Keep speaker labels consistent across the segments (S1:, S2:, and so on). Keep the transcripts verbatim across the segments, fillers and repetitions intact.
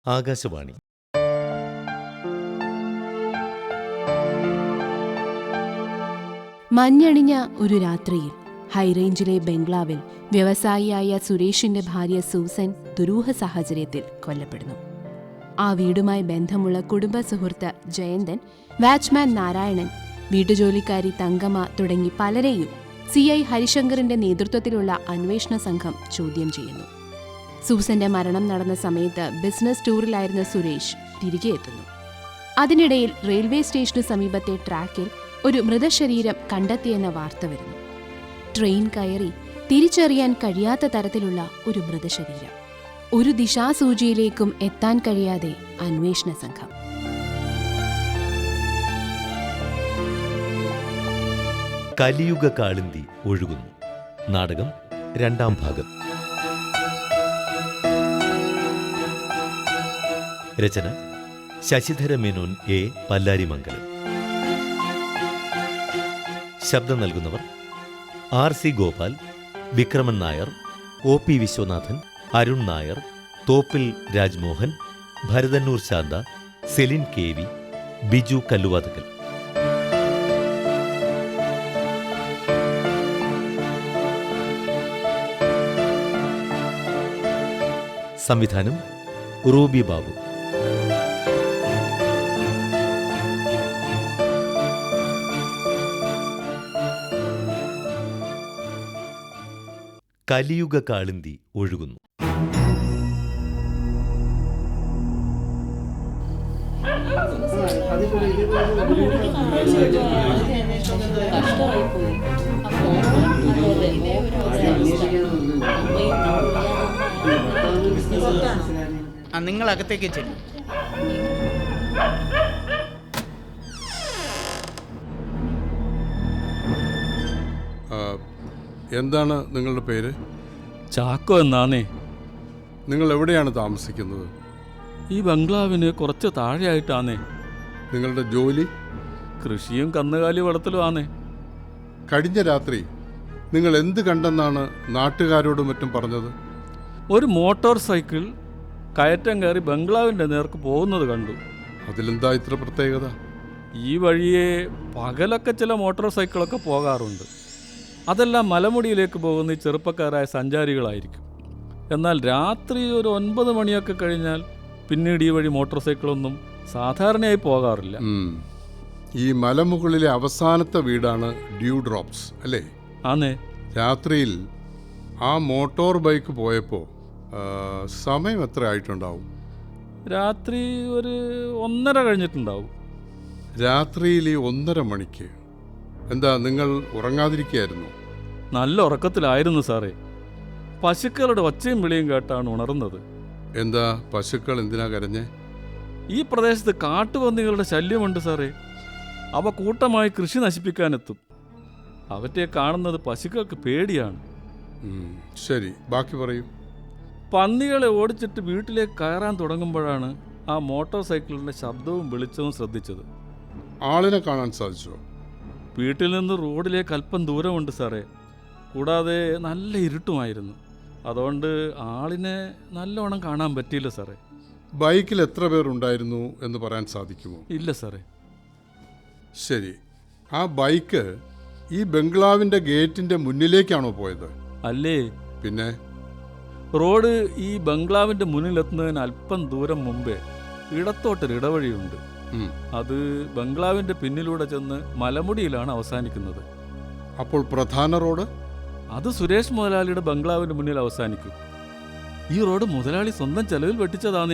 S1: ആകാശവാണി.
S2: മഞ്ഞണിഞ്ഞ ഒരു രാത്രിയിൽ ഹൈറേഞ്ചിലെ ബംഗ്ലാവിൽ വ്യവസായിയായ സുരേഷിന്റെ ഭാര്യ സൂസൻ ദുരൂഹ സാഹചര്യത്തിൽ കൊല്ലപ്പെടുന്നു. ആ വീടുമായി ബന്ധമുള്ള കുടുംബ സുഹൃത്ത് ജയന്തൻ, വാച്ച്മാൻ നാരായണൻ, വീട്ടുജോലിക്കാരി തങ്കമ്മ തുടങ്ങി പലരെയും സി ഐ ഹരിശങ്കറിന്റെ നേതൃത്വത്തിലുള്ള അന്വേഷണ സംഘം ചോദ്യം ചെയ്യുന്നു. സൂസന്റെ മരണം നടന്ന സമയത്ത് ബിസിനസ് ടൂറിലായിരുന്ന സുരേഷ് തിരികെ എത്തുന്നു. അതിനിടയിൽ റെയിൽവേ സ്റ്റേഷന് സമീപത്തെ ട്രാക്കിൽ ഒരു മൃതശരീരം കണ്ടെത്തിയെന്ന വാർത്ത വരുന്നു. ട്രെയിൻ കയറി തിരിച്ചറിയാൻ കഴിയാത്ത തരത്തിലുള്ള ഒരു മൃതശരീരം. ഒരു ദിശാസൂചിയിലേക്കും എത്താൻ കഴിയാതെ അന്വേഷണ സംഘം.
S1: കലിയുഗ കാളിന്തി ഒഴുകുന്നു. നാടകം രണ്ടാം ഭാഗം. രചന ശശിധര മേനോൻ എ പല്ലാരിമംഗലം. ശബ്ദം നൽകുന്നവർ R C Gopal, Vikraman Nair, O P Viswanathan, Arun Nair, Thoppil Rajmohan, Bharathannoor Santha, Celine K V, Biju Kalluvathukkal. സംവിധാനം റൂബി ബാബു. കലിയുഗ കാളിന്തി ഒഴുകുന്നു.
S3: നിങ്ങൾ അകത്തേക്ക് ചെല്ലും.
S4: എന്താണ് നിങ്ങളുടെ പേര്?
S5: ചാക്കോ എന്നാന്നേ.
S4: നിങ്ങൾ എവിടെയാണ് താമസിക്കുന്നത്?
S5: ഈ ബംഗ്ലാവിന് കുറച്ച് താഴെയായിട്ടാന്നേ.
S4: നിങ്ങളുടെ ജോലി?
S5: കൃഷിയും കന്നുകാലി വളർത്തലും ആന്നേ.
S4: കഴിഞ്ഞ രാത്രി നിങ്ങൾ എന്ത് കണ്ടെന്നാണ് നാട്ടുകാരോടും മറ്റും പറഞ്ഞത്?
S5: ഒരു മോട്ടോർ സൈക്കിൾ കയറ്റം കയറി ബംഗ്ലാവിൻ്റെ നേർക്ക് പോകുന്നത് കണ്ടു.
S4: അതിലെന്താ ഇത്ര പ്രത്യേകത?
S5: ഈ വഴിയെ പകലൊക്കെ ചില മോട്ടോർ സൈക്കിളൊക്കെ പോകാറുണ്ട്. അതെല്ലാം മലമുടിയിലേക്ക് പോകുന്ന ഈ ചെറുപ്പക്കാരായ സഞ്ചാരികളായിരിക്കും. എന്നാൽ രാത്രി ഒരു ഒൻപത് മണിയൊക്കെ കഴിഞ്ഞാൽ പിന്നീട് ഈ വഴി മോട്ടോർ സൈക്കിളൊന്നും സാധാരണയായി പോകാറില്ല.
S4: ഈ മലമുകളിലെ അവസാനത്തെ വീടാണ് ഡ്യൂ ഡ്രോപ്സ് അല്ലേ?
S5: ആന്നേ.
S4: രാത്രിയിൽ ആ മോട്ടോർ ബൈക്ക് പോയപ്പോൾ സമയം എത്ര ആയിട്ടുണ്ടാവും?
S5: രാത്രി ഒരു ഒന്നര കഴിഞ്ഞിട്ടുണ്ടാവും.
S4: രാത്രിയിൽ ഈ ഒന്നര മണിക്ക് എന്താ നിങ്ങൾ ഉറങ്ങാതിരിക്കുകയായിരുന്നു?
S5: നല്ല ഉറക്കത്തിലായിരുന്നു സാറേ. പശുക്കളുടെ ഒച്ചയും വിളിയും കേട്ടാണ് ഉണർന്നത്.
S4: എന്താ പശുക്കൾ എന്തിനാ കരഞ്ഞേ?
S5: ഈ പ്രദേശത്ത് കാട്ടുപന്നികളുടെ ശല്യമുണ്ട് സാറേ. അവ കൂട്ടമായി കൃഷി നശിപ്പിക്കാനെത്തും. അവറ്റെ കാണുന്നത് പശുക്കൾക്ക് പേടിയാണ്.
S4: ശരി, ബാക്കി പറയൂ.
S5: പന്നികളെ ഓടിച്ചിട്ട് വീട്ടിലേക്ക് കയറാൻ തുടങ്ങുമ്പോഴാണ് ആ മോട്ടോർ സൈക്കിളിൻ്റെ ശബ്ദവും വെളിച്ചവും ശ്രദ്ധിച്ചത്.
S4: ആളിനെ കാണാൻ സാധിച്ചോ?
S5: വീട്ടിൽ നിന്ന് റോഡിലേക്ക് അല്പം ദൂരമുണ്ട് സാറേ. കൂടാതെ നല്ല ഇരുട്ടുമായിരുന്നു. അതുകൊണ്ട് ആളിനെ നല്ലോണം കാണാൻ പറ്റിയില്ല സാറേ.
S4: ബൈക്കിൽ എത്ര പേർ ഉണ്ടായിരുന്നു എന്ന് പറയാൻ സാധിക്കുമോ?
S5: ഇല്ല സാറേ.
S4: ശരി, ആ ബൈക്ക് ഈ ബംഗ്ലാവിൻ്റെ ഗേറ്റിൻ്റെ മുന്നിലേക്കാണോ പോയത്?
S5: അല്ലേ.
S4: പിന്നെ?
S5: റോഡ് ഈ ബംഗ്ലാവിൻ്റെ മുന്നിലെത്തുന്നതിന് അല്പം ദൂരം മുമ്പേ ഇടത്തോട്ടൊരു ഇടവഴിയുണ്ട്. അത് ബംഗ്ലാവിൻ്റെ പിന്നിലൂടെ ചെന്ന് മലമുടിയിലാണ് അവസാനിക്കുന്നത്.
S4: അപ്പോൾ പ്രധാന റോഡ്?
S5: അത് സുരേഷ് മുതലാളിയുടെ ബംഗ്ലാവിൻ്റെ മുന്നിൽ അവസാനിക്കും. ഈ റോഡ് മുതലാളി സ്വന്തം ചെലവിൽ വെട്ടിച്ചതാണേ.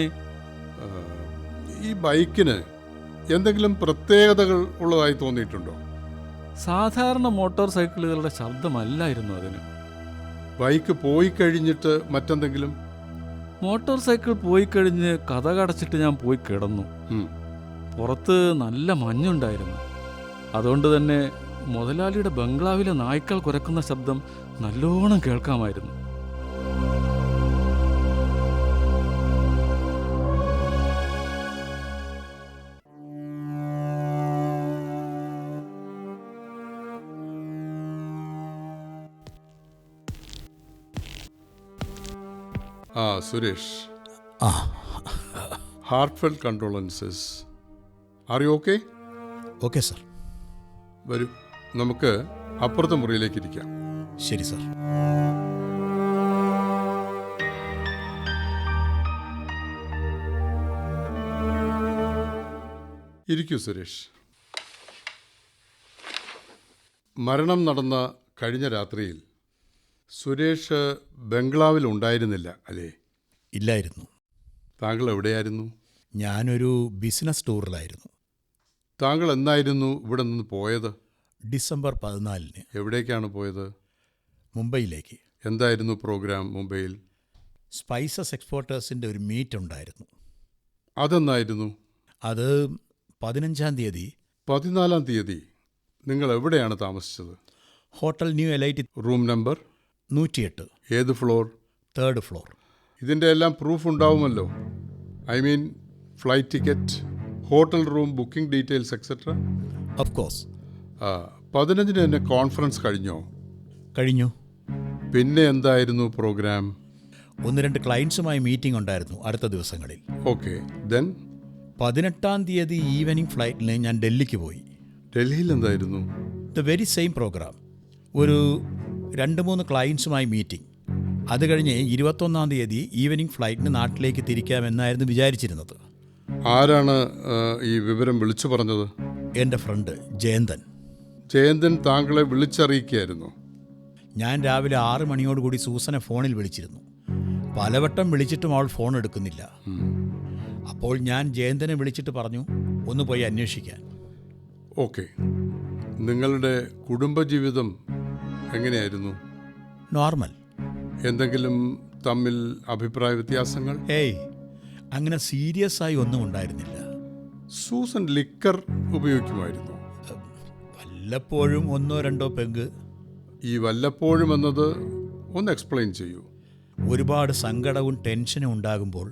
S4: ഈ ബൈക്കിന് എന്തെങ്കിലും പ്രത്യേകതകൾ ഉള്ളതായി തോന്നിയിട്ടുണ്ടോ?
S5: സാധാരണ മോട്ടോർ സൈക്കിളുകളുടെ ശബ്ദമല്ലായിരുന്നു അതിന്.
S4: ബൈക്ക് പോയി കഴിഞ്ഞിട്ട് മറ്റെന്തെങ്കിലും?
S5: മോട്ടോർ സൈക്കിൾ പോയി കഴിഞ്ഞ് കതകടച്ചിട്ട് ഞാൻ പോയി കിടന്നു. പുറത്ത് നല്ല മഞ്ഞുണ്ടായിരുന്നു. അതുകൊണ്ട് തന്നെ മുതലാളിയുടെ ബംഗ്ലാവിലെ നായ്ക്കൾ കുരക്കുന്ന ശബ്ദം നല്ലോണം കേൾക്കാമായിരുന്നു.
S4: ആ സുരേഷ്,
S6: ആ
S4: heartfelt condolences. Are you okay?
S6: Okay sir.
S4: വരൂ, നമുക്ക് അപ്പുറത്തെ മുറിയിലേക്ക് ഇരിക്കാം.
S6: ശരി സർ.
S4: ഇരിക്കൂ സുരേഷ്. മരണം നടന്ന കഴിഞ്ഞ രാത്രിയിൽ സുരേഷ് ബംഗ്ലാവിൽ ഉണ്ടായിരുന്നില്ല അല്ലേ?
S6: ഇല്ലായിരുന്നു.
S4: താങ്കൾ എവിടെയായിരുന്നു?
S6: ഞാനൊരു ബിസിനസ് ടൂറിലായിരുന്നു.
S4: താങ്കൾ എന്നായിരുന്നു ഇവിടെ നിന്ന് പോയത്?
S6: ഡിസംബർ പതിനാലിന്.
S4: എവിടേക്കാണ് പോയത്?
S6: മുംബൈയിലേക്ക്.
S4: എന്തായിരുന്നു പ്രോഗ്രാം മുംബൈയിൽ?
S6: സ്പൈസസ് എക്സ്പോർട്ടേഴ്സിൻ്റെ ഒരു മീറ്റ് ഉണ്ടായിരുന്നു.
S4: അതെന്നായിരുന്നു?
S6: അത് പതിനഞ്ചാം തീയതി.
S4: പതിനാലാം തീയതി. നിങ്ങൾ എവിടെയാണ് താമസിച്ചത്?
S6: Hotel new elite.
S4: Room number
S6: നൂറ്റിയെട്ട്.
S4: ഏത് ഫ്ലോർ?
S6: Third floor.
S4: ഇതിൻ്റെ എല്ലാം പ്രൂഫ് ഉണ്ടാവുമല്ലോ. I mean flight ticket, hotel room booking details etcetera.
S6: Of course.
S4: പതിനഞ്ചിന് തന്നെ കോൺഫറൻസ് കഴിഞ്ഞോ?
S6: കഴിഞ്ഞു.
S4: പിന്നെ എന്തായിരുന്നു പ്രോഗ്രാം?
S6: ഒന്ന് രണ്ട് ക്ലയൻസുമായി മീറ്റിംഗ് ഉണ്ടായിരുന്നു അടുത്ത ദിവസങ്ങളിൽ.
S4: Okay, then?
S6: പതിനെട്ടാം തീയതി ഈവനിങ് ഫ്ലൈറ്റിന് ഞാൻ ഡൽഹിക്ക് പോയി.
S4: ഡൽഹിയിൽ എന്തായിരുന്നു?
S6: The very same programme. ഒരു രണ്ട് മൂന്ന് ക്ലയൻസുമായി മീറ്റിംഗ്. അത് കഴിഞ്ഞ് ഇരുപത്തൊന്നാം തീയതി ഈവനിങ് ഫ്ലൈറ്റിന് നാട്ടിലേക്ക് തിരിക്കാമെന്നായിരുന്നു വിചാരിച്ചിരുന്നത്.
S4: ആരാണ് ഈ വിവരം വിളിച്ചു പറഞ്ഞത്?
S6: എൻ്റെ ഫ്രണ്ട് ജയന്തൻ.
S4: ജയന്തൻ താങ്കളെ വിളിച്ചറിയിക്കുകയായിരുന്നു?
S6: ഞാൻ രാവിലെ ആറ് മണിയോടുകൂടി സൂസനെ ഫോണിൽ വിളിച്ചിരുന്നു. പലവട്ടം വിളിച്ചിട്ടും അവൾ ഫോൺ എടുക്കുന്നില്ല. അപ്പോൾ ഞാൻ ജയന്തനെ വിളിച്ചിട്ട് പറഞ്ഞു ഒന്ന് പോയി അന്വേഷിക്കാൻ.
S4: ഓക്കെ, നിങ്ങളുടെ കുടുംബജീവിതം എങ്ങനെയായിരുന്നു?
S6: നോർമൽ.
S4: എന്തെങ്കിലും തമ്മിൽ അഭിപ്രായ വ്യത്യാസങ്ങൾ?
S6: ഏയ്, അങ്ങനെ സീരിയസ് ആയി ഒന്നും ഉണ്ടായിരുന്നില്ല.
S4: സൂസൻ ലിക്കർ ഉപയോഗിക്കുമായിരുന്നു?
S6: വല്ലപ്പോഴും ഒന്നോ രണ്ടോ പെഗ്.
S4: ഈ വല്ലപ്പോഴും എന്നത് ഒന്ന് എക്സ്പ്ലെയിൻ ചെയ്യൂ.
S6: ഒരുപാട് സങ്കടവും ടെൻഷനും ഉണ്ടാകുമ്പോൾ.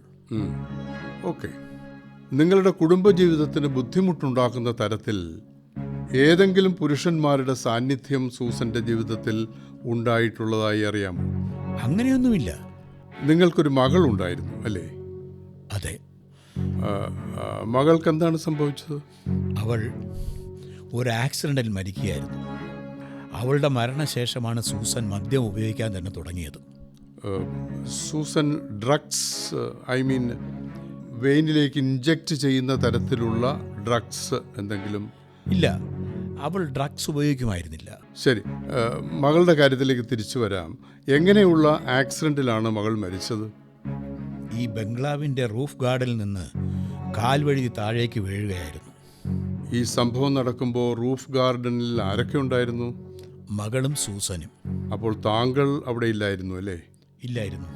S4: ഓക്കെ, നിങ്ങളുടെ കുടുംബജീവിതത്തിന് ബുദ്ധിമുട്ടുണ്ടാക്കുന്ന തരത്തിൽ ഏതെങ്കിലും പുരുഷന്മാരുടെ സാന്നിധ്യം സൂസന്റെ ജീവിതത്തിൽ ഉണ്ടായിട്ടുള്ളതായി അറിയാമോ?
S6: അങ്ങനെയൊന്നുമില്ല.
S4: നിങ്ങൾക്കൊരു മകൾ ഉണ്ടായിരുന്നു അല്ലേ?
S6: അതെ.
S4: മകൾക്ക് എന്താണ് സംഭവിച്ചത്?
S6: അവൾ ഒരു ആക്സിഡന്റിൽ മരിക്കുകയായിരുന്നു. അവളുടെ മരണശേഷമാണ് സൂസൻ മദ്യം ഉപയോഗിക്കാൻ തന്നെ തുടങ്ങിയത്.
S4: സൂസൻ ഡ്രഗ്സ്, ഐ മീൻ വെയിനിലേക്ക് ഇൻജെക്റ്റ് ചെയ്യുന്ന തരത്തിലുള്ള ഡ്രഗ്സ് എന്തെങ്കിലും?
S6: ഇല്ല, അവൾ ഡ്രഗ്സ് ഉപയോഗിക്കുമായിരുന്നില്ല.
S4: ശരി, മകളുടെ കാര്യത്തിലേക്ക് തിരിച്ചു വരാം. എങ്ങനെയുള്ള ആക്സിഡന്റിലാണ് മകൾ മരിച്ചത്?
S6: ഈ ബംഗ്ലാവിൻ്റെ റൂഫ് ഗാർഡിൽ നിന്ന് കാൽവഴി താഴേക്ക് വീഴുകയായിരുന്നു.
S4: ഈ സംഭവം നടക്കുമ്പോൾ റൂഫ് ഗാർഡനിൽ ആരൊക്കെ ഉണ്ടായിരുന്നു?
S6: മകളും സൂസനും.
S4: അപ്പോൾ താങ്കൾ അവിടെ ഇല്ലായിരുന്നു അല്ലേ?
S6: ഇല്ലായിരുന്നു.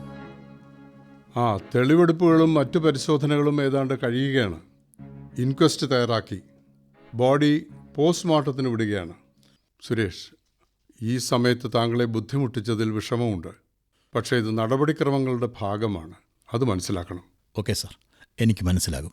S4: ആ, തെളിവെടുപ്പുകളും മറ്റു പരിശോധനകളും ഏതാണ്ട് കഴിയുകയാണ്. ഇൻക്വസ്റ്റ് തയ്യാറാക്കി ബോഡി പോസ്റ്റ്മോർട്ടത്തിന് വിടുകയാണ്. സുരേഷ്, ഈ സമയത്ത് താങ്കളെ ബുദ്ധിമുട്ടിച്ചതിൽ വിഷമമുണ്ട്. പക്ഷേ ഇത് നടപടിക്രമങ്ങളുടെ ഭാഗമാണ്, അത് മനസ്സിലാക്കണം.
S6: ഓക്കെ സാർ, എനിക്ക് മനസ്സിലാകും.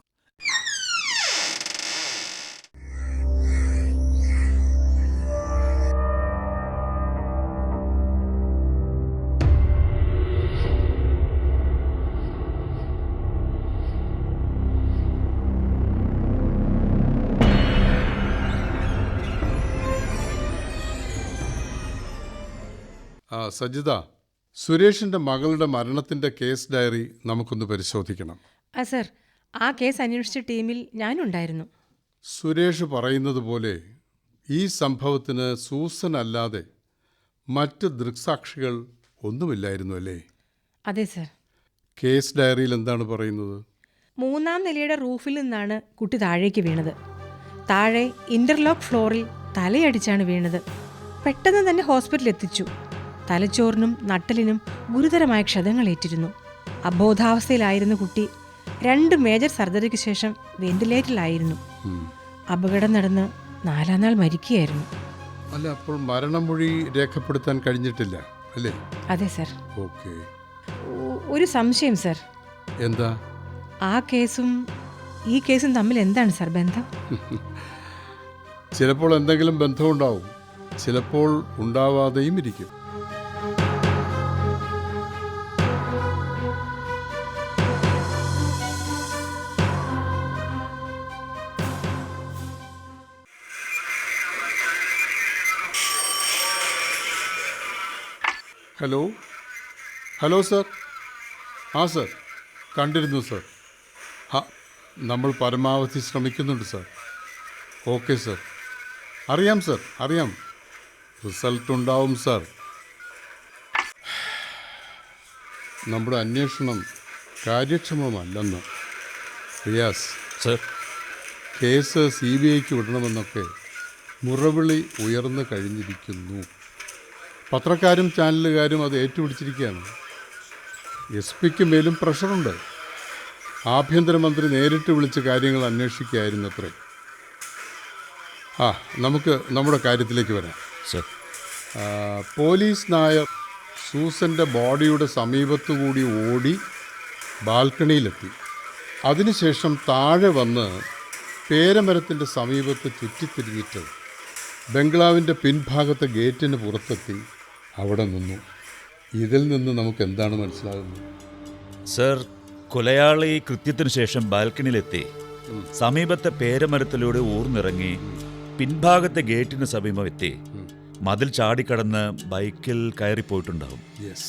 S4: ആ, സജിത, സുരേഷിൻ്റെ മകളുടെ മരണത്തിൻ്റെ കേസ് ഡയറി നമുക്കൊന്ന് പരിശോധിക്കണം.
S7: ആ സർ, ആ കേസ് അന്വേഷിച്ച ടീമിൽ ഞാനുണ്ടായിരുന്നു.
S4: സുരേഷ് പറയുന്നത് പോലെ ഈ സംഭവത്തിന് സൂസൻ അല്ലാതെ മറ്റ് ദൃക്സാക്ഷികൾ ഒന്നുമില്ലായിരുന്നു അല്ലേ?
S7: അതെ സർ.
S4: കേസ് ഡയറിയിൽ എന്താണ് പറയുന്നത്?
S7: മൂന്നാം നിലയുടെ റൂഫിൽ നിന്നാണ് കുട്ടി താഴേക്ക് വീണത്. താഴെ ഇന്റർലോക്ക് ഫ്ലോറിൽ തലയടിച്ചാണ് വീണത്. പെട്ടെന്ന് തന്നെ ഹോസ്പിറ്റലിൽ എത്തിച്ചു. തലച്ചോറിനും നട്ടലിനും ഗുരുതരമായ ക്ഷതങ്ങളേറ്റിരുന്നു. അബോധാവസ്ഥയിലായിരുന്ന കുട്ടി രണ്ട് മേജർ സർജറിക്ക് ശേഷം വെന്റിലേറ്ററിലായിരുന്നു. അപകടം നടന്ന് നാലാം നാൾ മരിക്കുകയായിരുന്നു.
S4: അല്ല, അപ്പോൾ മരണമൊഴി രേഖപ്പെടുത്താൻ കഴിഞ്ഞിട്ടില്ല അല്ലേ?
S7: അതെ സർ.
S4: ഓക്കെ.
S7: ഒരു സംശയം സർ.
S4: എന്താ?
S7: ആ കേസും ഈ കേസും തമ്മിൽ എന്താണ് സർ ബന്ധം?
S4: ചിലപ്പോൾ എന്തെങ്കിലും ബന്ധമുണ്ടാവും, ചിലപ്പോൾ ഉണ്ടാവാതെയും ഇരിക്കും. Hello hello sir. ആ സർ, കണ്ടിരുന്നു സർ. ആ, നമ്മൾ പരമാവധി ശ്രമിക്കുന്നുണ്ട് സർ. Okay sir. അറിയാം സർ, അറിയാം. റിസൾട്ട് ഉണ്ടാവും സർ. നമ്മുടെ അന്വേഷണം കാര്യക്ഷമമല്ലെന്ന് Riyas.
S8: Sir.
S4: Case C B ഐക്ക് വിടണമെന്നൊക്കെ മുറവിളി ഉയർന്നു കഴിഞ്ഞിരിക്കുന്നു. പത്രക്കാരും ചാനലുകാരും അത് ഏറ്റുപിടിച്ചിരിക്കുകയാണ്. എസ് പിക്ക് മേലും പ്രഷറുണ്ട്. ആഭ്യന്തരമന്ത്രി നേരിട്ട് വിളിച്ച് കാര്യങ്ങൾ അന്വേഷിക്കുകയായിരുന്നത്രേ. ആ, നമുക്ക് നമ്മുടെ കാര്യത്തിലേക്ക് വരാം.
S8: സർ.
S4: ആ, പോലീസ് നായർ സൂസൻ്റെ ബോഡിയുടെ സമീപത്തുകൂടി ഓടി ബാൽക്കണിയിലെത്തി. അതിനുശേഷം താഴെ വന്ന് പേരമരത്തിൻ്റെ സമീപത്ത് ചുറ്റിത്തിരിഞ്ഞിട്ട് ബംഗ്ലാവിൻ്റെ പിൻഭാഗത്തെ ഗേറ്റിന് പുറത്തെത്തി അവിടെ നിന്നു. ഇതിൽ നിന്ന് നമുക്ക് എന്താണ് മനസ്സിലാകുന്നത്?
S8: സർ, കൊലയാളി കൃത്യത്തിനു ശേഷം ബാൽക്കണിയിലെത്തി സമീപത്തെ പേരമരത്തിലൂടെ ഊർന്നിറങ്ങി പിൻഭാഗത്തെ ഗേറ്റിന് സമീപം എത്തി മതിൽ ചാടിക്കടന്ന് ബൈക്കിൽ കയറിപ്പോയിട്ടുണ്ടാവും.
S4: യെസ്.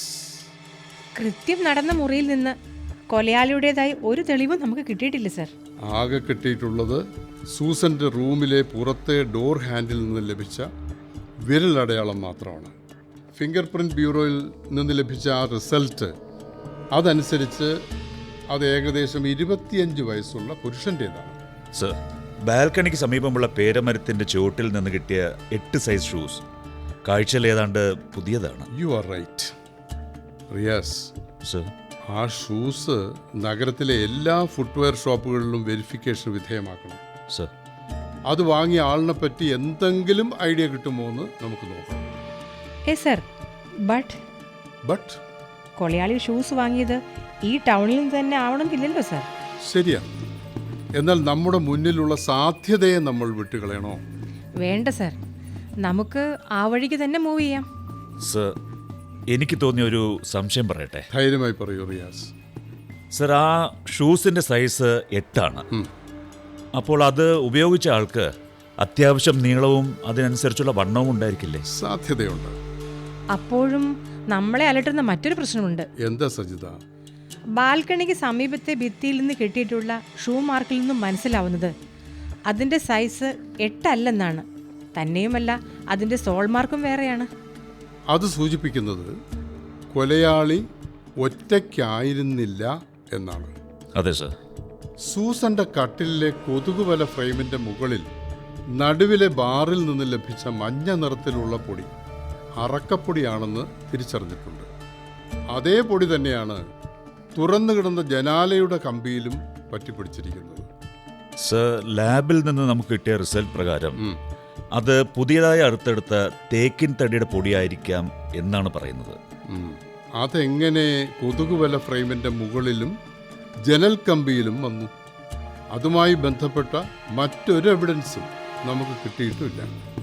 S7: കൃത്യം നടന്ന മുറിയിൽ നിന്ന് കൊലയാളിയുടേതായി ഒരു തെളിവും നമുക്ക് കിട്ടിയിട്ടില്ല സർ.
S4: ആകെ കിട്ടിയിട്ടുള്ളത് സൂസൻ്റെ റൂമിലെ പുറത്തെ ഡോർ ഹാൻഡിൽ നിന്ന് ലഭിച്ച വിരലടയാളം മാത്രമാണ്. ഫിംഗർ പ്രിൻറ്റ് ബ്യൂറോയിൽ നിന്ന് ലഭിച്ച ആ റിസൾട്ട് അതനുസരിച്ച് അത് ഏകദേശം ഇരുപത്തിയഞ്ച് വയസ്സുള്ള പുരുഷൻ്റേതാണ്.
S8: സർ, ബാൽക്കണിക്ക് സമീപമുള്ള പേരമരത്തിന്റെ ചുവട്ടിൽ നിന്ന് കിട്ടിയ എട്ട് സൈസ് ഷൂസ് കാഴ്ചയിൽ ഏതാണ്ട് പുതിയതാണ്.
S4: You are right Riyas.
S8: Sir.
S4: ആ ഷൂസ് നഗരത്തിലെ എല്ലാ ഫുട്വെയർ ഷോപ്പുകളിലും വെരിഫിക്കേഷൻ വിധേയമാക്കണം.
S8: സർ.
S4: അത് വാങ്ങിയ ആളിനെ പറ്റി എന്തെങ്കിലും ഐഡിയ കിട്ടുമോ എന്ന് നമുക്ക് നോക്കാം.
S7: ഏ സർ, ബട്ട്
S4: ബട്ട്
S7: കൊലയാളി ഷൂസ് വാങ്ങിയത് ഈ ടൗണിൽ നിന്ന് തന്നെ ആവണമെന്നില്ലല്ലോ സർ.
S4: ശരിയാണ്. എന്നാൽ നമ്മുടെ മുന്നിലുള്ള സാധ്യതയെ നമ്മൾ വിട്ടുകളയണോ?
S7: വേണ്ട സർ, നമുക്ക് ആ വഴിക്ക് തന്നെ മൂവ് ചെയ്യാം.
S8: സർ, എനിക്ക് തോന്നിയ ഒരു സംശയം പറയട്ടെ.
S4: ധൈര്യമായി പറയൂ റിയാസ്.
S8: സർ, ആ ഷൂസിന്റെ സൈസ് എട്ടാണ്. അപ്പോൾ അത് ഉപയോഗിച്ച ആൾക്ക് അത്യാവശ്യം നീളവും അതിനനുസരിച്ചുള്ള വണ്ണവും ഉണ്ടായിരിക്കില്ലേ?
S4: സാധ്യതയുണ്ട്.
S7: അപ്പോഴും നമ്മളെ അലട്ടുന്ന മറ്റൊരു പ്രശ്നമുണ്ട്.
S4: എന്താ സജിത?
S7: ബാൽക്കണിക്ക് സമീപത്തെ ഭിത്തിയിൽ നിന്ന് കിട്ടിയിട്ടുള്ള ഷൂ മാർക്കിൽ നിന്നും മനസ്സിലാവുന്നത് അതിൻ്റെ സൈസ് എട്ടല്ലെന്നാണ്. തന്നെയുമല്ല, അതിൻ്റെ സോൾ മാർക്കും വേറെയാണ്.
S4: അത് സൂചിപ്പിക്കുന്നത് കൊലയാളി ഒറ്റയ്ക്കായിരുന്നില്ല എന്നാണ്.
S8: അതെ സർ.
S4: സൂസന്റെ കട്ടിലിലെ കൊതുകുവല ഫ്രെയിമിന്റെ മുകളിൽ നടുവിലെ ബാറിൽ നിന്ന് ലഭിച്ച മഞ്ഞ നിറത്തിലുള്ള പൊടി അറക്കപ്പൊടിയാണെന്ന് തിരിച്ചറിഞ്ഞിട്ടുണ്ട്. അതേ പൊടി തന്നെയാണ് തുറന്നു കിടന്ന ജനാലയുടെ കമ്പിയിലും പറ്റിപ്പിടിച്ചിരിക്കുന്നത്.
S8: സർ, ലാബിൽ നിന്ന് നമുക്ക് കിട്ടിയ റിസൾട്ട് പ്രകാരം അത് പുതിയതായി അടുത്തെടുത്ത തേക്കിൻ തടിയുടെ പൊടിയായിരിക്കാം എന്നാണ് പറയുന്നത്.
S4: അതെങ്ങനെ കൊതുകുവല ഫ്രെയിമിന്റെ മുകളിലും ജനൽ കമ്പിയിലും വന്നു? അതുമായി ബന്ധപ്പെട്ട മറ്റൊരു എവിഡൻസും നമുക്ക് കിട്ടിയിട്ടുമില്ല.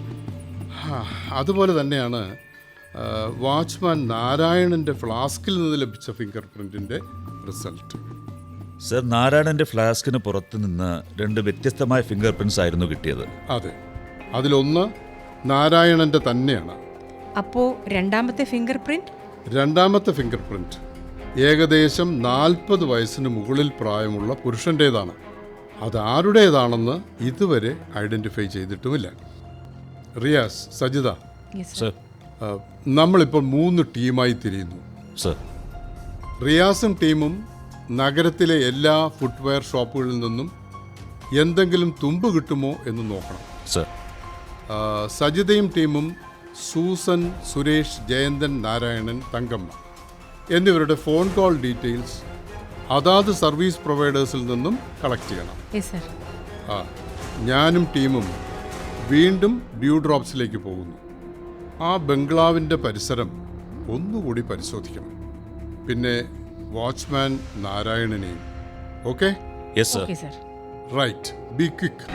S4: അതുപോലെ തന്നെയാണ് വാച്ച്മാൻ നാരായണൻ്റെ ഫ്ലാസ്കിൽ നിന്ന് ലഭിച്ച ഫിംഗർ പ്രിൻറ്റിൻ്റെ റിസൾട്ട്.
S8: സർ, നാരായണൻ്റെ ഫ്ലാസ്കിന് പുറത്ത് നിന്ന് രണ്ട് വ്യത്യസ്തമായ ഫിംഗർ പ്രിൻറ്റ്സ് ആയിരുന്നു കിട്ടിയത്.
S4: അതെ, അതിലൊന്ന് നാരായണൻ്റെ തന്നെയാണ്.
S7: അപ്പോൾ രണ്ടാമത്തെ ഫിംഗർ പ്രിൻറ്റ്
S4: രണ്ടാമത്തെ ഫിംഗർ പ്രിൻറ്റ് ഏകദേശം നാൽപ്പത് വയസ്സിന് മുകളിൽ പ്രായമുള്ള പുരുഷൻ്റേതാണ്. അതാരുടേതാണെന്ന് ഇതുവരെ ഐഡൻറ്റിഫൈ ചെയ്തിട്ടുമില്ല. റിയാസ്, സജിത,
S8: സർ.
S4: നമ്മളിപ്പോൾ മൂന്ന് ടീമായി തിരിയുന്നു.
S8: സർ.
S4: റിയാസും ടീമും നഗരത്തിലെ എല്ലാ ഫുട്വെയർ ഷോപ്പുകളിൽ നിന്നും എന്തെങ്കിലും തുമ്പ് കിട്ടുമോ എന്ന് നോക്കണം.
S8: സർ.
S4: സജിതയും ടീമും സൂസൻ, സുരേഷ്, ജയന്തൻ, നാരായണൻ, തങ്കമ്മ എന്നിവരുടെ ഫോൺ കോൾ ഡീറ്റെയിൽസ് അതാത് സർവീസ് പ്രൊവൈഡേഴ്സിൽ നിന്നും കളക്ട് ചെയ്യണം. ആ, ഞാനും ടീമും വീണ്ടും ഡ്യൂ ഡ്രോപ്സിലേക്ക് പോകുന്നു. ആ ബംഗ്ലാവിൻ്റെ പരിസരം ഒന്നുകൂടി പരിശോധിക്കണം. പിന്നെ വാച്ച്മാൻ നാരായണനെയും. Okay?
S8: Yes sir.
S7: Okay sir.
S4: Right, be quick.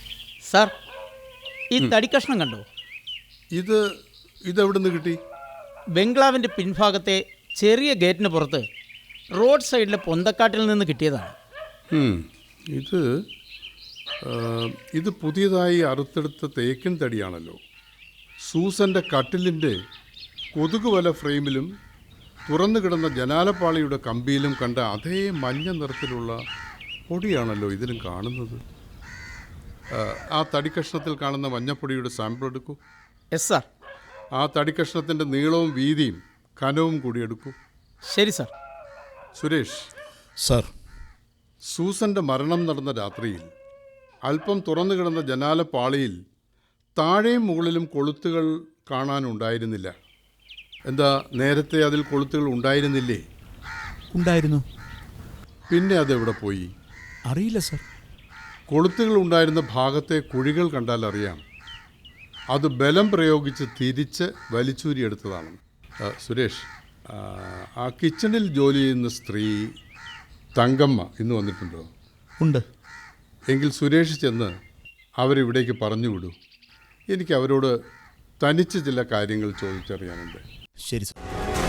S3: Sir, ഈ തടി കഷ്ണം കണ്ടോ?
S4: ഇത് ഇതെവിടെ നിന്ന് കിട്ടി?
S3: ബംഗ്ലാവിൻ്റെ പിൻഭാഗത്തെ ചെറിയ ഗേറ്റിന് പുറത്ത് റോഡ് സൈഡിലെ പൊന്തക്കാട്ടിൽ നിന്ന് കിട്ടിയതാണ്.
S4: ഉം, ഇത് ആ, ഇത് പുതിയതായി അറുത്തെടുത്ത തേക്കിൻ തടിയാണല്ലോ. സൂസൻ്റെ കട്ടിലിൻ്റെ കൊതുക് വല ഫ്രെയിമിലും തുറന്നു കിടന്ന ജനാലപ്പാളിയുടെ കമ്പിയിലും കണ്ട അതേ മഞ്ഞ നിറത്തിലുള്ള പൊടിയാണല്ലോ ഇതിലും കാണുന്നത്. ആ, ആ തടിക്കഷ്ണത്തിൽ കാണുന്ന മഞ്ഞപ്പൊടിയുടെ സാമ്പിൾ എടുക്കൂ.
S3: Yes sir.
S4: ആ തടിക്കഷ്ണത്തിൻ്റെ നീളവും വീതിയും കനവും കൂടി എടുക്കൂ.
S3: ശരി സാർ.
S4: സുരേഷ്,
S6: സർ,
S4: സൂസൻ്റെ മരണം നടന്ന രാത്രിയിൽ അല്പം തുറന്നു കിടന്ന ജനാലപ്പാളിയിൽ താഴെയും മുകളിലും കൊളുത്തുകൾ കാണാനുണ്ടായിരുന്നില്ല. എന്താ, നേരത്തെ അതിൽ കൊളുത്തുകൾ ഉണ്ടായിരുന്നില്ലേ?
S6: ഉണ്ടായിരുന്നു.
S4: പിന്നെ അതെവിടെ പോയി?
S6: അറിയില്ല സർ.
S4: കൊളുത്തുകൾ ഉണ്ടായിരുന്ന ഭാഗത്തെ കുഴികൾ കണ്ടാൽ അറിയാം അത് ബലം പ്രയോഗിച്ച് തിരിച്ച് വലിച്ചൂരിയെടുത്തതാണ്. ആ, സുരേഷ്, ആ, ആ കിച്ചണിൽ ജോലി ചെയ്യുന്ന സ്ത്രീ തങ്കമ്മ ഇന്ന് വന്നിട്ടുണ്ടോ?
S6: ഉണ്ട്.
S4: എങ്കിൽ സുരേഷ് ചെന്ന് അവരിവിടേക്ക് പറഞ്ഞു വിടൂ. എനിക്ക് അവരോട് തനിച്ച് ചില കാര്യങ്ങൾ ചോദിച്ചറിയാനുണ്ട്.
S6: ശരി സർ.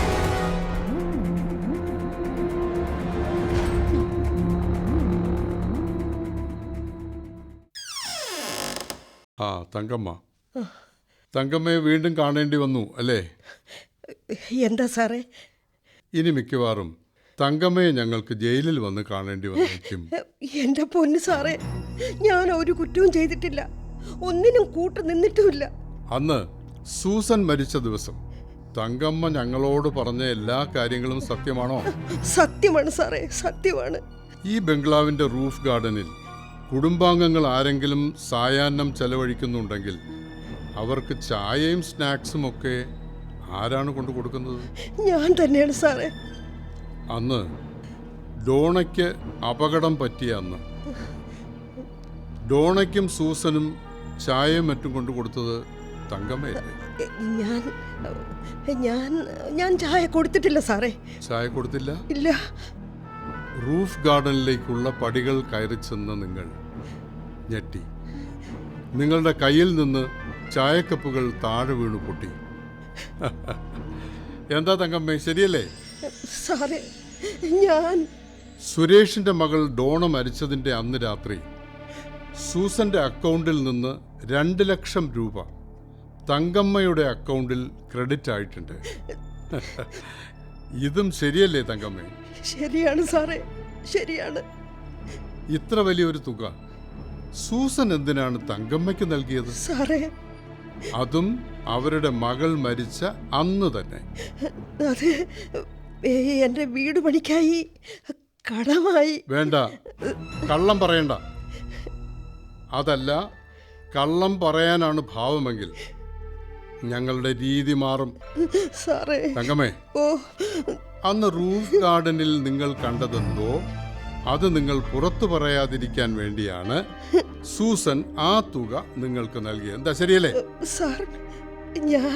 S4: ആ, തങ്കമ്മ. തങ്കമ്മയെ വീണ്ടും കാണേണ്ടി വന്നു അല്ലേ?
S9: എന്താ സാറേ?
S4: ഇനി മിക്കവാറും തങ്കമ്മയെ ഞങ്ങൾക്ക് ജയിലിൽ വന്ന് കാണേണ്ടി വന്നേക്കും.
S9: എൻ്റെ പൊന്ന് സാറേ, ഞാൻ ഒരു കുറ്റവും ചെയ്തിട്ടില്ല, ഒന്നിനും കൂട്ടു നിന്നിട്ടുമില്ല.
S4: അന്ന് സൂസൻ മരിച്ച ദിവസം തങ്കമ്മ ഞങ്ങളോട് പറഞ്ഞ എല്ലാ കാര്യങ്ങളും സത്യമാണോ?
S9: സത്യമാണ് സാറേ, സത്യമാണ്.
S4: ഈ ബംഗ്ലാവിൻ്റെ റൂഫ് ഗാർഡനിൽ കുടുംബാംഗങ്ങൾ ആരെങ്കിലും സായാഹ്നം ചെലവഴിക്കുന്നുണ്ടെങ്കിൽ അവർക്ക് ചായയും സ്നാക്സും ഒക്കെ ആരാണ് കൊണ്ടു കൊടുക്കുന്നത്?
S9: ഞാൻ തന്നെയാണ് സാറേ.
S4: അന്ന് ഡോണയ്ക്ക് അപകടം പറ്റിയ അന്ന് ഡോണയ്ക്കും സൂസനും ചായയും മറ്റും കൊണ്ടു കൊടുത്തത് തങ്കമ്മയല്ലേ?
S9: ഞാൻ ഞാൻ ഞാൻ ചായ കൊടുത്തിട്ടില്ല സാറേ.
S4: ചായ കൊടുത്തില്ല?
S9: ഇല്ല.
S4: റൂഫ് ഗാർഡനിലേക്കുള്ള പടികൾ കയറി ചെന്ന നിങ്ങൾ ഞെട്ടി. നിങ്ങളുടെ കയ്യിൽ നിന്ന് ചായക്കപ്പുകൾ താഴെ വീണു പൊട്ടി. എന്താ തങ്കമ്മേ, ശരിയല്ലേ?
S9: സാറേ, ഞാൻ
S4: സുരേഷിന്റെ മകൾ ഡോണ മരിച്ചതിന്റെ അന്ന് രാത്രി സൂസന്റെ അക്കൗണ്ടിൽ നിന്ന് രണ്ട് ലക്ഷം രൂപ തങ്കമ്മയുടെ അക്കൗണ്ടിൽ ക്രെഡിറ്റ് ആയിട്ടുണ്ട്. ഇതും ശരിയല്ലേ തങ്കമ്മേ?
S9: ശരിയാണ് സാറേ, ശരിയാണ്.
S4: ഇത്ര വലിയൊരു തുക സൂസൻ എന്തിനാണ് തങ്കമ്മയ്ക്ക് നൽകിയത്?
S9: സാറേ,
S4: അതും അവരുടെ മകൾ മരിച്ച അന്ന് തന്നെ.
S9: അത് എൻ്റെ വീട് പണിക്കായി കടമായി.
S4: വേണ്ട, കള്ളം പറയണ്ട. അതല്ല, കള്ളം പറയാനാണ് ഭാവമെങ്കിൽ ഞങ്ങളുടെ രീതി മാറും.
S9: സാറേ,
S4: തങ്കമ്മേ,
S9: ഓ
S4: അന്ന് റൂഫ് ഗാർഡനിൽ നിങ്ങൾ കണ്ടതെന്തോ അത് നിങ്ങൾ പുറത്തു പറയാതിരിക്കാൻ വേണ്ടിയാണ് സൂസൻ ആ തുക നിങ്ങൾക്ക് നൽകിയത്. എന്താ, ശരിയല്ലേ?
S9: സാർ, ഞാൻ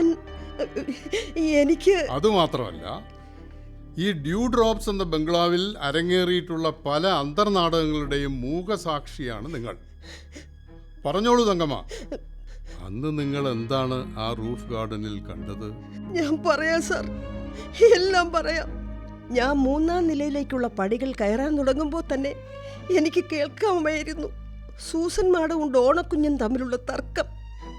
S9: എനിക്ക്
S4: അതുമാത്രമല്ല, ഈ ഡ്യൂ ഡ്രോപ്സ് എന്ന ബംഗ്ലാവിൽ അരങ്ങേറിയിട്ടുള്ള പല അന്തർനാടകങ്ങളുടെയും മൂകസാക്ഷിയാണ് നിങ്ങൾ. പറഞ്ഞോളൂ തങ്കമ്മ, അന്ന് നിങ്ങൾ എന്താണ് ആ റൂഫ് ഗാർഡനിൽ കണ്ടത്?
S9: ഞാൻ പറയാം സാർ, എല്ലാം പറയാം. ഞാൻ മൂന്നാം നിലയിലേക്കുള്ള പടികൾ കയറാൻ തുടങ്ങുമ്പോൾ തന്നെ എനിക്ക് കേൾക്കാമായിരുന്നു സൂസൻ മാഡവും ഡോണക്കുഞ്ഞും തമ്മിലുള്ള തർക്കം.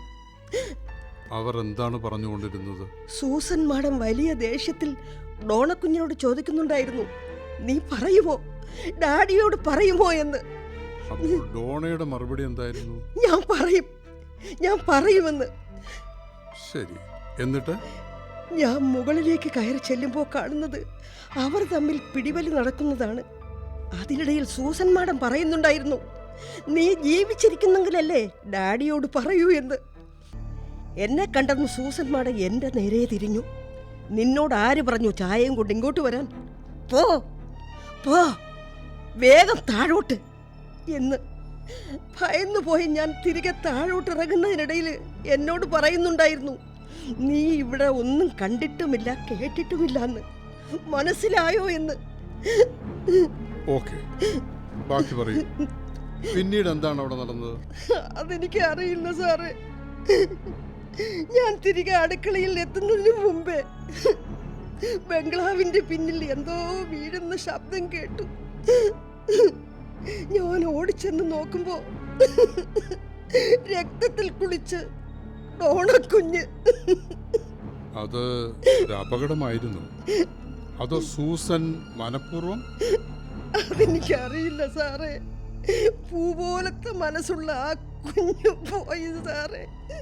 S4: അവർ എന്താണ് പറഞ്ഞുകൊണ്ടിരുന്നത്?
S9: സൂസൻ മാഡം വലിയ ദേഷ്യത്തിൽ ഡോണക്കുഞ്ഞിനോട് ചോദിക്കുന്നുണ്ടായിരുന്നു, നീ പറയുമോ, ഡാഡിയോട് പറയുമോ എന്ന്.
S4: അപ്പോൾ ഡോണയുടെ മറുപടി എന്തായിരുന്നു?
S9: ഞാൻ പറയും, ഞാൻ പറയുമെന്ന്.
S4: ശരി, എന്നിട്ട്?
S9: ഞാൻ മുകളിലേക്ക് കയറി ചെല്ലുമ്പോൾ കാണുന്നത് അവർ തമ്മിൽ പിടിവലി നടക്കുന്നതാണ്. അതിനിടയിൽ സൂസൻ മാഡം പറയുന്നുണ്ടായിരുന്നു, നീ ജീവിച്ചിരിക്കുന്നെങ്കിലല്ലേ ഡാഡിയോട് പറയൂ എന്ന്. എന്നെ കണ്ടെന്ന് സൂസൻ മാഡം എൻ്റെ നേരെ തിരിഞ്ഞു. നിന്നോട് ആര് പറഞ്ഞു ചായയും കൊണ്ട് ഇങ്ങോട്ട് വരാൻ? പോ പോ വേഗം താഴോട്ട് എന്ന്. ഭയന്നു പോയി ഞാൻ തിരികെ താഴോട്ട് ഇറങ്ങുന്നതിനിടയിൽ എന്നോട് പറയുന്നുണ്ടായിരുന്നു, നീ ഇവിടെ ഒന്നും കണ്ടിട്ടുമില്ല കേട്ടിട്ടുമില്ല എന്ന്. മനസ്സിലായോ എന്ന്.
S4: ഓക്കെ, ബാക്കി പറയൂ. പിന്നീട് എന്താണ് അവിടെ നടന്നത്?
S9: അതെനിക്ക് അറിയില്ല സാറേ. ഞാൻ തിരികെ അടുക്കളയിൽ എത്തുന്നതിന് മുമ്പേ ബംഗ്ലാവിന്റെ പിന്നിൽ എന്തോ വീഴുന്ന ശബ്ദം കേട്ടു. ഞാൻ ഓടിച്ചെന്ന് നോക്കുമ്പോ രക്തത്തിൽ കുളിച്ച് ഡോണക്കുഞ്ഞ്.
S4: അത് ഒരു അപകടമായിരുന്നു. അതോ സൂസൻ മനഃപൂർവ്വം?
S9: അതെനിക്കറിയില്ല സാറേ. പൂ പോലത്തെ മനസ്സുള്ള ആ കുഞ്ഞു പോയി സാറേ.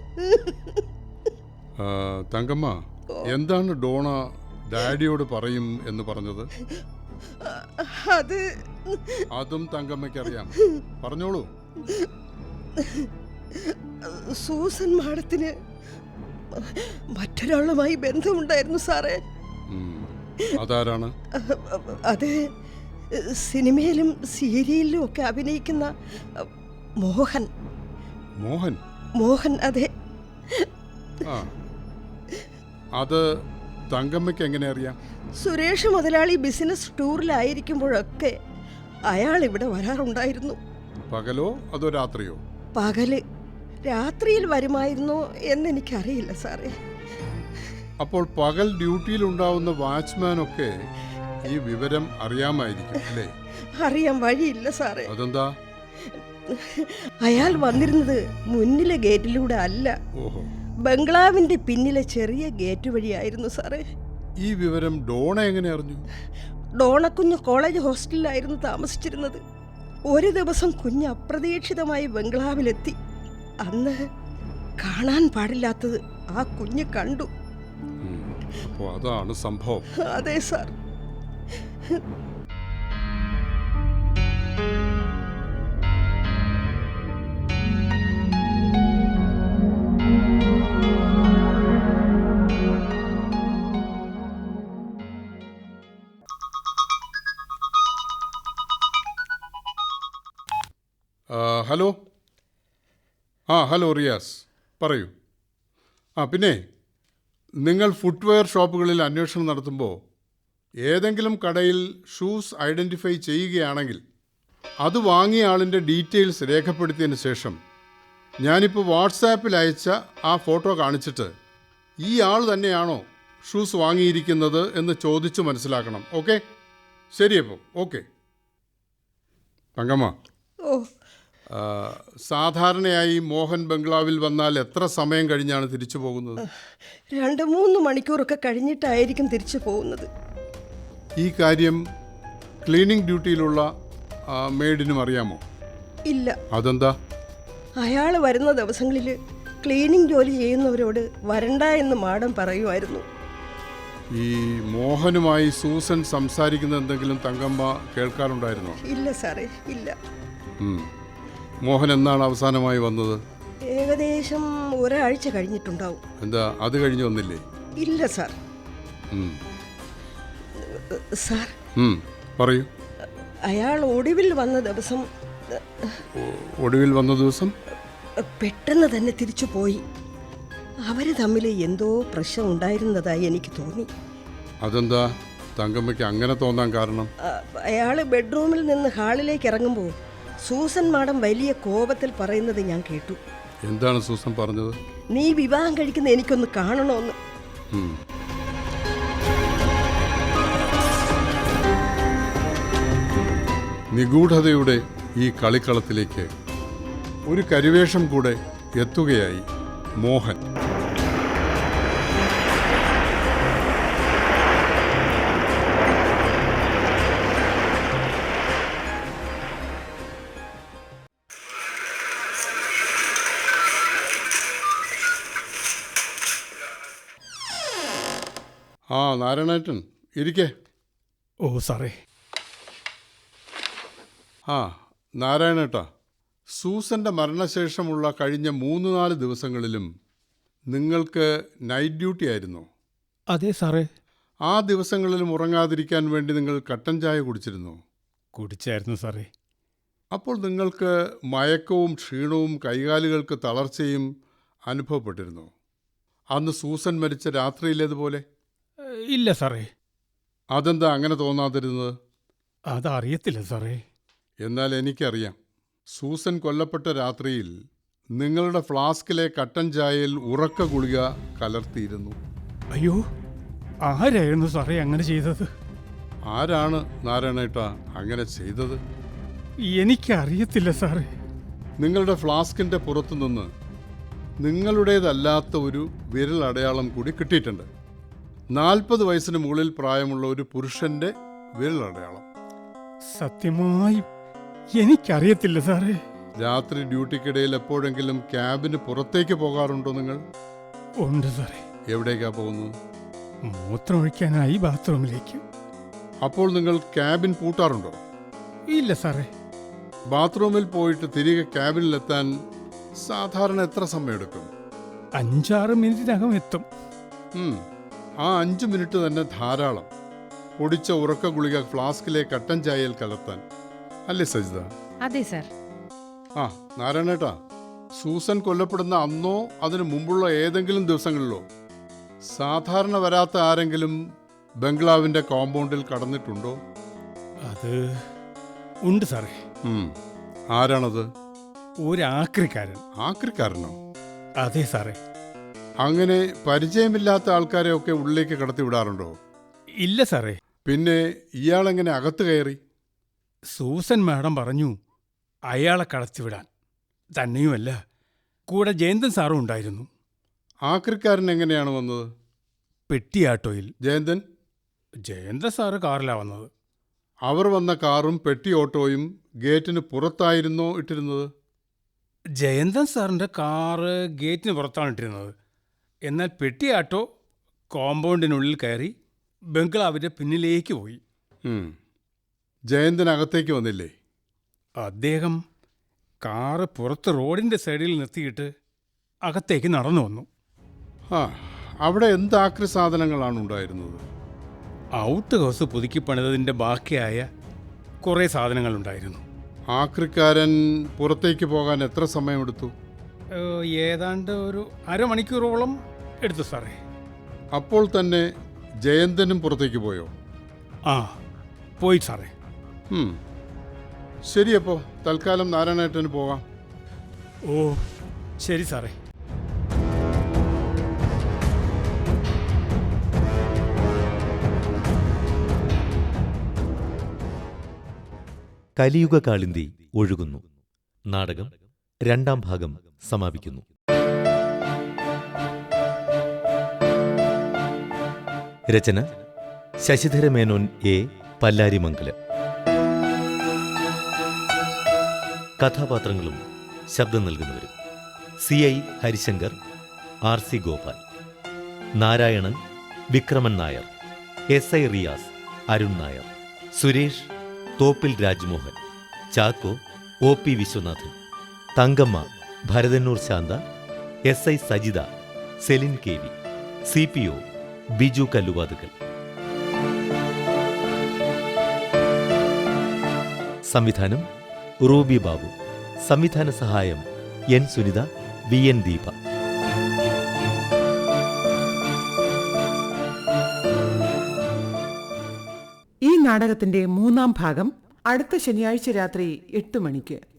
S4: ആ, തങ്കമ്മ, എന്താണ് ഡോണ ഡാഡിയോട് പറയും എന്ന് പറഞ്ഞത്?
S9: അത്
S4: അതും തങ്കമ്മയ്ക്കറിയാം. പറഞ്ഞോളൂ.
S9: സൂസൻ മാഡത്തിന് മറ്റൊരാളുമായി ബന്ധമുണ്ടായിരുന്നു സാറേ.
S4: ഉം. അതാരാണ്?
S9: അത് സിനിമയിലും സീരിയലിലും ഒക്കെ അഭിനയിക്കുന്ന മോഹൻ.
S4: മോഹൻ?
S9: മോഹൻ, അതെ.
S4: ആ, അത് തങ്കമ്മയ്ക്ക് എങ്ങനെ അറിയാം?
S9: സുരേഷ് മുതലാളി ബിസിനസ് ടൂറിലായിരിക്കുമ്പോഴൊക്കെ അയാൾ ഇവിടെ വരാറുണ്ടായിരുന്നു.
S4: പകലോ അതോ രാത്രിയോ?
S9: പകല്. രാത്രിയിൽ വരുമായിരുന്നോ എന്നെനിക്കറിയില്ല സാറേ.
S4: അപ്പോൾ പകൽ ഡ്യൂട്ടിയിൽ ഉണ്ടാവുന്ന വാച്ച്മാനൊക്കെ ഈ വിവരം അറിയാമായിരിക്കും അല്ലേ?
S9: അറിയാൻ വഴിയില്ല സാറേ.
S4: അതെന്താ?
S9: അയാൾ വന്നിരുന്നത് മുന്നിലെ ഗേറ്റിലൂടെ അല്ല,
S4: ഓഹോ,
S9: ബംഗ്ലാവിന്റെ പിന്നിലെ ചെറിയ ഗേറ്റ് വഴിയായിരുന്നു സാറേ.
S4: ഈ വിവരം ഡോണ എങ്ങനെ അറിഞ്ഞു?
S9: ഡോണക്കുഞ്ഞ് കോളേജ് ഹോസ്റ്റലിലായിരുന്നു താമസിച്ചിരുന്നത്. ഒരു ദിവസം കുഞ്ഞ് അപ്രതീക്ഷിതമായി ബംഗ്ലാവിലെത്തി. അന്ന് കാണാൻ പാടില്ലാത്തത് ആ കുഞ്ഞ് കണ്ടു.
S4: അപ്പോൾ അതാണ് സംഭവം.
S9: അതെ സാർ.
S4: ആ, ഹലോ. ആ, ഹലോ റിയാസ്, പറയൂ. ആ, പിന്നെ നിങ്ങൾ ഫുട്വെയർ ഷോപ്പുകളിൽ അന്വേഷണം നടത്തുമ്പോൾ ഏതെങ്കിലും കടയിൽ ഷൂസ് ഐഡൻറ്റിഫൈ ചെയ്യുകയാണെങ്കിൽ അത് വാങ്ങിയ ആളിൻ്റെ ഡീറ്റെയിൽസ് രേഖപ്പെടുത്തിയതിന് ശേഷം ഞാനിപ്പോൾ വാട്സാപ്പിൽ അയച്ച ആ ഫോട്ടോ കാണിച്ചിട്ട് ഈ ആൾ തന്നെയാണോ ഷൂസ് വാങ്ങിയിരിക്കുന്നത് എന്ന് ചോദിച്ചു മനസ്സിലാക്കണം. ഓക്കെ? ശരിയപ്പോൾ ഓക്കെ. തങ്കമ്മ,
S9: ഓ,
S4: സാധാരണയായി മോഹൻ ബംഗ്ലാവിൽ വന്നാൽ എത്ര സമയം കഴിഞ്ഞാണ് തിരിച്ചു പോകുന്നത്?
S9: രണ്ട് മൂന്ന് മണിക്കൂറൊക്കെ കഴിഞ്ഞിട്ടായിരിക്കും തിരിച്ചു പോകുന്നത്.
S4: ഈ കാര്യം ക്ലീനിങ് ഡ്യൂട്ടിയിലുള്ള മെയ്ഡിനും അറിയാമോ?
S9: ഇല്ല.
S4: അതെന്താ?
S9: അയാൾ വരുന്ന ദിവസങ്ങളിൽ ക്ലീനിങ് ജോലി ചെയ്യുന്നവരോട് വരണ്ട എന്ന് മാഡം പറയുമായിരുന്നു.
S4: ഈ മോഹനുമായി സൂസൻ സംസാരിക്കുന്ന എന്തെങ്കിലും തങ്കമ്മ കേൾക്കാറുണ്ടായിരുന്നോ?
S9: ഇല്ല സാറേ, ഇല്ല.
S4: ഉം. മോഹൻ എന്നാണ് അവസാനമായി വന്നത്?
S9: ഏകദേശം ഒരാഴ്ച കഴിഞ്ഞിട്ടുണ്ടാവും.
S4: എന്താ അത് കഴിഞ്ഞ് വന്നില്ലേ?
S9: ഇല്ല സാർ.
S4: ഉം.
S9: സാർ,
S4: ഉം, പറയൂ.
S9: അയാൾ ഒടുവിൽ വന്ന ദിവസം
S4: ഒ- ഒടുവിൽ വന്ന ദിവസം
S9: പെട്ടെന്ന് തന്നെ തിരിച്ചു പോയി. അവർ തമ്മിൽ എന്തോ പ്രശ്നം ഉണ്ടായിരുന്നതായി എനിക്ക് തോന്നി.
S4: അതെന്താ തങ്കമ്മയ്ക്ക് അങ്ങനെ തോന്നാൻ കാരണം?
S9: അയാൾ ബെഡ്റൂമിൽ നിന്ന് ഹാളിലേക്ക് ഇറങ്ങുമ്പോൾ സൂസൻ മാഡം വലിയ കോപത്തിൽ പറയുന്നത് ഞാൻ കേട്ടു.
S4: എന്താണ് സൂസൻ പറഞ്ഞത്?
S9: നീ വിവാഹം കഴിക്കുന്ന എനിക്കൊന്ന് കാണണമെന്ന്.
S4: ഉം. നിഗൂഢതയുടെ ഈ കളിക്കളത്തിലേക്ക് ഒരു കരിവേഷം കൂടെ എത്തുകയായി മോഹൻ. ആ, നാരായണേട്ടൻ ഇരിക്കേ.
S6: ഓ സാറേ.
S4: ആ, നാരായണേട്ടാ, സൂസൻ്റെ മരണശേഷമുള്ള കഴിഞ്ഞ മൂന്ന് നാല് ദിവസങ്ങളിലും നിങ്ങൾക്ക് നൈറ്റ് ഡ്യൂട്ടി ആയിരുന്നോ?
S6: അതെ സാറേ.
S4: ആ ദിവസങ്ങളിലും ഉറങ്ങാതിരിക്കാൻ വേണ്ടി നിങ്ങൾ കട്ടൻ ചായ കുടിച്ചിരുന്നോ?
S6: കുടിച്ചായിരുന്നു സാറേ.
S4: അപ്പോൾ നിങ്ങൾക്ക് മയക്കവും ക്ഷീണവും കൈകാലുകൾക്ക് തളർച്ചയും അനുഭവപ്പെട്ടിരുന്നോ? അന്ന് സൂസൻ മരിച്ച രാത്രിയിലേതുപോലെ?
S6: ഇല്ല സാറേ.
S4: അതെന്താ അങ്ങനെ തോന്നാതിരുന്നത്?
S6: അതറിയത്തില്ല സാറേ.
S4: എന്നാൽ എനിക്കറിയാം. സൂസൻ കൊല്ലപ്പെട്ട രാത്രിയിൽ നിങ്ങളുടെ ഫ്ലാസ്കിലെ കട്ടൻ ചായയിൽ ഉറക്ക ഗുളിക കലർത്തിയിരുന്നു.
S10: അയ്യോ, ആരായിരുന്നു സാറേ അങ്ങനെ ചെയ്തത്?
S4: ആരാണ് നാരായണേട്ട അങ്ങനെ ചെയ്തത്?
S10: എനിക്കറിയത്തില്ല സാറേ.
S4: നിങ്ങളുടെ ഫ്ലാസ്കിൻ്റെ പുറത്തു നിന്ന് നിങ്ങളുടേതല്ലാത്ത ഒരു വിരലടയാളം കൂടി കിട്ടിയിട്ടുണ്ട്. നാൽപ്പത് വയസ്സിന് മുകളിൽ പ്രായമുള്ള ഒരു പുരുഷന്റെ വിരലടയാളം.
S10: സത്യമായും എനിക്കറിയത്തില്ല സാറേ.
S4: രാത്രി ഡ്യൂട്ടിക്കിടയിൽ എപ്പോഴെങ്കിലും ക്യാബിന് പുറത്തേക്ക് പോകാറുണ്ടോ നിങ്ങൾ?
S10: ഉണ്ട് സാറേ.
S4: എവിടേക്കാ പോകുന്നത്?
S10: മൂത്രമൊഴിക്കാനായി ബാത്റൂമിലേക്ക്.
S4: അപ്പോൾ നിങ്ങൾ ക്യാബിൻ പൂട്ടാറുണ്ടോ?
S10: ഇല്ല സാറേ.
S4: ബാത്റൂമിൽ പോയിട്ട് തിരികെ ക്യാബിനിലെത്താൻ സാധാരണ എത്ര സമയമെടുക്കും?
S10: അഞ്ചാറ് മിനിറ്റിനകം എത്തും.
S4: ഉം, ആ അഞ്ച് മിനിറ്റ് തന്നെ ധാരാളം പൊടിച്ച ഉറക്ക ഗുളിക ഫ്ലാസ്കിലെ കട്ടൻ ചായയിൽ കലർത്താൻ, അല്ലേ സജിത?
S7: അതെ സാർ.
S4: ആ നാരായണേട്ടാ, സൂസൻ കൊല്ലപ്പെടുന്ന അന്നോ അതിനു മുമ്പുള്ള ഏതെങ്കിലും ദിവസങ്ങളിലോ സാധാരണ വരാത്ത ആരെങ്കിലും ബംഗ്ലാവിന്റെ കോമ്പൗണ്ടിൽ കടന്നിട്ടുണ്ടോ?
S10: അത് ഉണ്ട് സാറേ.
S4: ഉം, ആരാണത്?
S10: ഒരാക്രിക്കാരൻ.
S4: ആക്രിക്കാരനോ?
S10: അതെ സാറേ.
S4: അങ്ങനെ പരിചയമില്ലാത്ത ആൾക്കാരെ ഒക്കെ ഉള്ളിലേക്ക് കടത്തി വിടാറുണ്ടോ?
S10: ഇല്ല സാറേ.
S4: പിന്നെ ഇയാളെങ്ങനെ അകത്ത് കയറി?
S10: സൂസൻ മാഡം പറഞ്ഞു അയാളെ കടത്തിവിടാൻ. തന്നെയുമല്ല, കൂടെ ജയന്തൻ സാറും ഉണ്ടായിരുന്നു.
S4: ആക്രിക്കാരൻ എങ്ങനെയാണ് വന്നത്?
S10: പെട്ടിയാട്ടോയിൽ.
S4: ജയന്തൻ?
S10: ജയന്തൻ സാറ് കാറിലാണ് വന്നത്.
S4: അവർ വന്ന കാറും പെട്ടി ഓട്ടോയും ഗേറ്റിന് പുറത്തായിരുന്നോ ഇട്ടിരുന്നത്?
S10: ജയന്തൻ സാറിൻ്റെ കാറ് ഗേറ്റിന് പുറത്താണ് ഇട്ടിരുന്നത്. എന്നാൽ പെട്ടിയാട്ടോ കോമ്പൗണ്ടിനുള്ളിൽ കയറി ബംഗ്ലാവിൻ്റെ പിന്നിലേക്ക് പോയി.
S4: ഉം. ജയന്തൻ അകത്തേക്ക് വന്നില്ലേ?
S10: അദ്ദേഹം കാറ് പുറത്ത് റോഡിൻ്റെ സൈഡിൽ നിർത്തിയിട്ട് അകത്തേക്ക് നടന്നു വന്നു.
S4: ആ, അവിടെ എന്ത് ആക്രി സാധനങ്ങളാണ് ഉണ്ടായിരുന്നത്?
S10: ഔട്ട് ഹൗസ് പുതുക്കി പണിതതിൻ്റെ ബാക്കിയായ കുറേ സാധനങ്ങളുണ്ടായിരുന്നു.
S4: ആക്രിക്കാരൻ പുറത്തേക്ക് പോകാൻ എത്ര സമയമെടുത്തു?
S10: ഏഹ്, ഏതാണ്ട് ഒരു അരമണിക്കൂറോളം എടുത്തു സാറേ.
S4: അപ്പോൾ തന്നെ ജയന്തനും പുറത്തേക്ക് പോയോ?
S10: ആ, പോയി സാറേ.
S4: ഉം. ശരിയപ്പോൾ തൽക്കാലം നാരായണേട്ടന് പോകാം.
S10: ഓ ശരി സാറേ.
S1: കലിയുഗ കാളിന്തി ഒഴുകുന്നു. നാടകം രണ്ടാം ഭാഗം സമാപിക്കുന്നു. രചന ശശിധര മേനോൻ എ, പല്ലാരിമംഗലം. കഥാപാത്രങ്ങളും ശബ്ദം നൽകുന്നവരും: C I Harishankar, R C Gopal; Narayanan, Vikraman Nair; S I Riyas, Arun Nair; Suresh, Thoppil Rajmohan; Chacko, O P Viswanathan; Thankamma, Bharathannoor Santha; S I Sajitha, Celine K V; C P O, Biju Kalluvathukkal. സംവിധാനം റൂബി ബാബു. സംവിധാന സഹായം N Sunitha, V N Deepa.
S11: ഈ നാടകത്തിന്റെ മൂന്നാം ഭാഗം അടുത്ത ശനിയാഴ്ച രാത്രി എട്ട് മണിക്ക്.